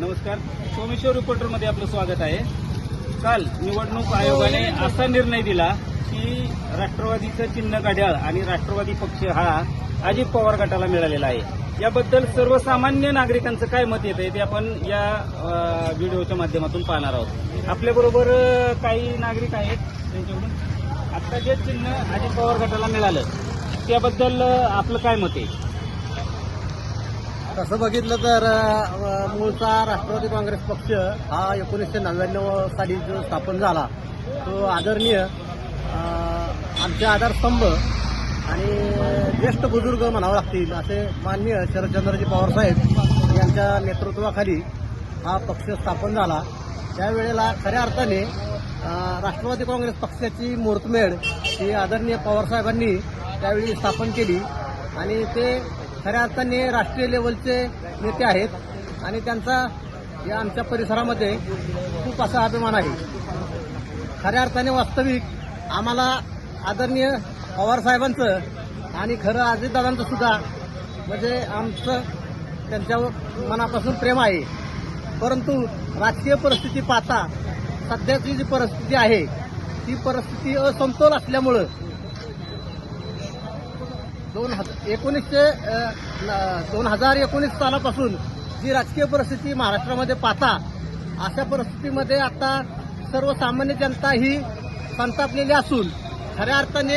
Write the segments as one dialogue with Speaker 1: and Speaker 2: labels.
Speaker 1: नमस्कार. सोमेश्वर रिपोर्टरमध्ये आपलं स्वागत आहे. काल निवडणूक आयोगाने असा निर्णय दिला की राष्ट्रवादीचं चिन्ह घड्याळ आणि राष्ट्रवादी पक्ष हा अजित पवार गटाला मिळालेला आहे. याबद्दल सर्वसामान्य नागरिकांचं काय मत येत आहे ते आपण या व्हिडिओच्या माध्यमातून पाहणार आहोत. आपल्याबरोबर काही नागरिक आहेत, त्यांच्याकडून आता जे चिन्ह अजित पवार गटाला मिळालं त्याबद्दल आपलं काय मत आहे?
Speaker 2: तसं बघितलं तर मूळचा राष्ट्रवादी काँग्रेस पक्ष हा 1999 साली जो स्थापन झाला तो आदरणीय आमचे आधारस्तंभ आणि ज्येष्ठ बुजुर्ग म्हणावं लागतील असे माननीय शरदचंद्रजी पवारसाहेब यांच्या नेतृत्वाखाली हा पक्ष स्थापन झाला. त्यावेळेला खऱ्या अर्थाने राष्ट्रवादी काँग्रेस पक्षाची मुहूर्तमेढ ही आदरणीय पवारसाहेबांनी त्यावेळी स्थापन केली आणि ते खऱ्या अर्थाने राष्ट्रीय लेवलचे नेते आहेत आणि त्यांचा या आमच्या परिसरामध्ये खूप असा अभिमान आहे. खऱ्या अर्थाने वास्तविक आम्हाला आदरणीय पवारसाहेबांचं आणि खरं अजितदादांचं सुद्धा म्हणजे आमचं त्यांच्यावर मनापासून प्रेम आहे. परंतु राजकीय परिस्थिती पाहता सध्याची जी परिस्थिती आहे ती परिस्थिती असमतोल असल्यामुळं 2019 सालापासून जी राजकीय परिस्थिती महाराष्ट्रामध्ये पाहता अशा परिस्थितीमध्ये आता सर्वसामान्य जनता ही संतापलेली असून खऱ्या अर्थाने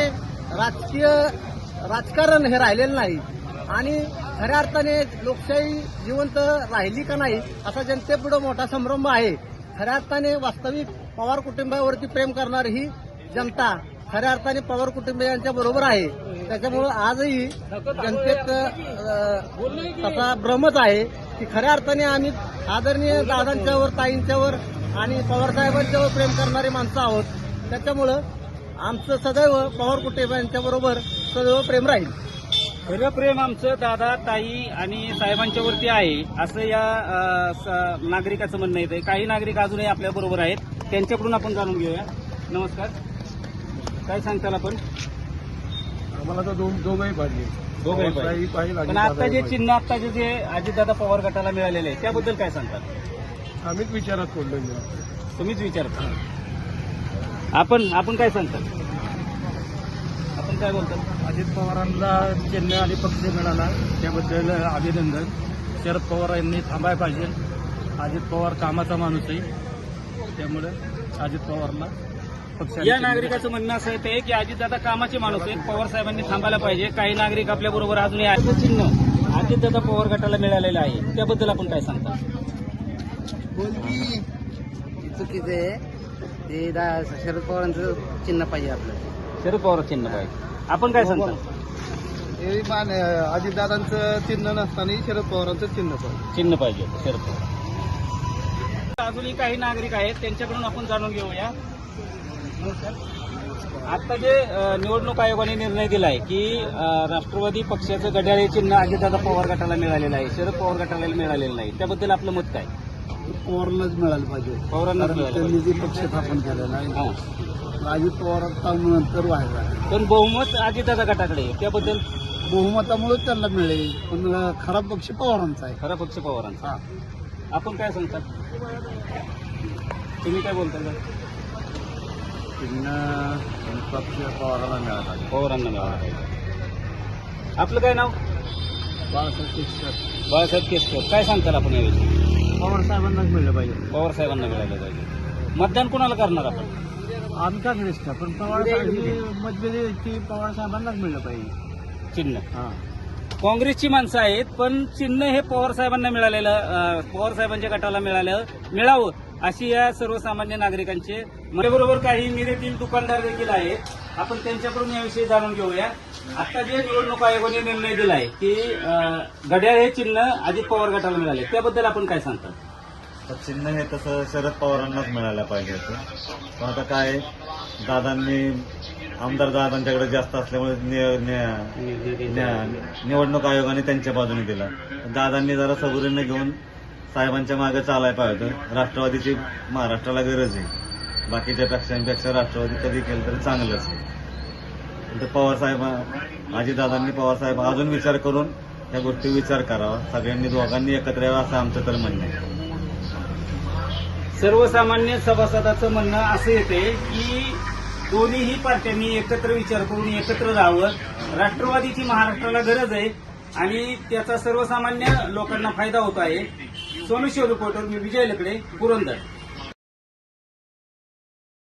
Speaker 2: राजकारण हे राहिलेलं नाही आणि खऱ्या अर्थाने लोकशाही जिवंत राहिली का नाही असा जनतेपुढे मोठा संभ्रम आहे. खऱ्या अर्थाने वास्तविक पवार कुटुंबावरती प्रेम करणारी ही जनता खऱ्या अर्थाने पवार कुटुंबियांच्या बरोबर आहे. त्याच्यामुळं आजही जनतेत तसा भ्रमच आहे की खऱ्या अर्थाने आम्ही आदरणीय दादांच्यावर, ताईंच्यावर आणि पवारसाहेबांच्यावर प्रेम करणारी माणसं आहोत. त्याच्यामुळं आमचं सदैव पवार कुटुंबियांच्या बरोबर सदैव प्रेम राहील.
Speaker 1: खरं प्रेम आमचं दादा, ताई आणि साहेबांच्यावरती आहे असं या नागरिकाचं म्हणणं येतं. काही नागरिक अजूनही आपल्या बरोबर आहेत, त्यांच्याकडून आपण जाणून घेऊया. नमस्कार, काय सांगताल आपण?
Speaker 2: आम्हाला तर दोघंही पाहिजे.
Speaker 1: पण आता जे चिन्ह आत्ताचे जे अजितदादा पवार गटाला मिळालेले आहे त्याबद्दल काय सांगतात?
Speaker 2: आम्हीच विचारात पडलो.
Speaker 1: तुम्हीच विचारता. आपण काय सांगतात? आपण काय बोलतात?
Speaker 2: अजित पवारांना चिन्ह आणि पक्ष मिळाला त्याबद्दल अभिनंदन. शरद पवार यांनी थांबायला पाहिजे. अजित पवार कामाचा माणूस आहे, त्यामुळे अजित पवारला पक्ष.
Speaker 1: या नागरिकाचं म्हणणं असं आहे की अजितदादा कामाचे माणूस आहेत, पवार साहेबांनी थांबायला पाहिजे. काही नागरिक आपल्या बरोबर अजूनही आहे. चिन्ह अजितदादा पवार गटाला मिळालेलं आहे त्याबद्दल आपण काय सांगता?
Speaker 2: चुकीचं आहे ते. शरद पवारांचं चिन्ह पाहिजे आपलं.
Speaker 1: शरद पवार चिन्ह पाहिजे. आपण काय सांगता?
Speaker 2: अजितदादांचं चिन्ह नसताना शरद पवारांचं चिन्ह
Speaker 1: पाहिजे शरद पवार. अजूनही काही नागरिक आहेत, त्यांच्याकडून आपण जाणून घेऊया. आता जे निवडणूक आयोगाने निर्णय दिला आहे की राष्ट्रवादी पक्षाचं घड्याळ हे चिन्ह अजितदादा पवार गटाला मिळालेलं आहे, शरद पवार गटाला मिळालेलं नाही, त्याबद्दल आपलं मत काय?
Speaker 2: पवारांनाच मिळालं पाहिजे.
Speaker 1: पवारांनाच
Speaker 2: त्यांनी जे पक्ष स्थापन केलेला आहे अजित पवार नंतर व्हायला,
Speaker 1: पण बहुमत अजितदादा गटाकडे आहे, त्याबद्दल
Speaker 2: बहुमतामुळेच त्यांना मिळेल. पण खरा पक्ष पवारांचा आहे.
Speaker 1: खरा पक्ष पवारांचा. आपण काय सांगतात? तुम्ही काय बोलता?
Speaker 2: चिन्ह पक्ष पवारांना मिळाला.
Speaker 1: पवारांना मिळाला. आपलं काय नाव? बाळासाहेब केसकर. काय सांगताल आपण याविषयी?
Speaker 2: पवार साहेबांनाच मिळलं पाहिजे.
Speaker 1: पवार साहेबांना मिळालं पाहिजे. मतदान कोणाला करणार आपण?
Speaker 2: आम्ही काँग्रेस का, पण पवार साहेब मतभेद की पवार साहेबांनाच मिळलं पाहिजे
Speaker 1: चिन्ह. काँग्रेसची माणसं आहेत पण चिन्ह हे पवार साहेबांना मिळालेलं, पवार साहेबांच्या गटाला मिळावं अशी या सर्वसामान्य नागरिकांचे. माझ्याबरोबर काही मिरेतील दुकानदार देखील आहेत, आपण त्यांच्याकडून याविषयी जाणून घेऊया. आता जे निवडणूक आयोगाने निर्णय दिलाय की घड्याळ हे चिन्ह अजित पवार गटाला मिळाले त्याबद्दल आपण काय सांगता?
Speaker 3: चिन्ह हे तसं शरद पवारांनाच मिळायला पाहिजे होतं. पण आता काय दादांनी आमदार दादांच्याकडे जास्त असल्यामुळे निवडणूक आयोगाने त्यांच्या बाजूने दिला. दादांनी जरा सबुरीने घेऊन साहेबांच्या मागे चालायला पाहिजे होतं. राष्ट्रवादीची महाराष्ट्राला गरज आहे. बाकीच्या पक्षांपेक्षा राष्ट्रवादी कधी केलं तरी चांगलंच आहे. पवारसाहेब अजितदादांनी पवारसाहेब अजून विचार करून या गोष्टी विचार करावा. सगळ्यांनी दोघांनी एकत्र यावं असं आमचं तर म्हणणं आहे.
Speaker 1: सर्वसामान्य सभासदाचं म्हणणं असं येते की दोन्हीही पार्ट्यांनी एकत्र विचार करून एकत्र राहावं. राष्ट्रवादीची महाराष्ट्राला गरज आहे आणि त्याचा सर्वसामान्य लोकांना फायदा होत आहे. सोमेश्वर रिपोर्टर, मी विजय लकडे, पुरंदर.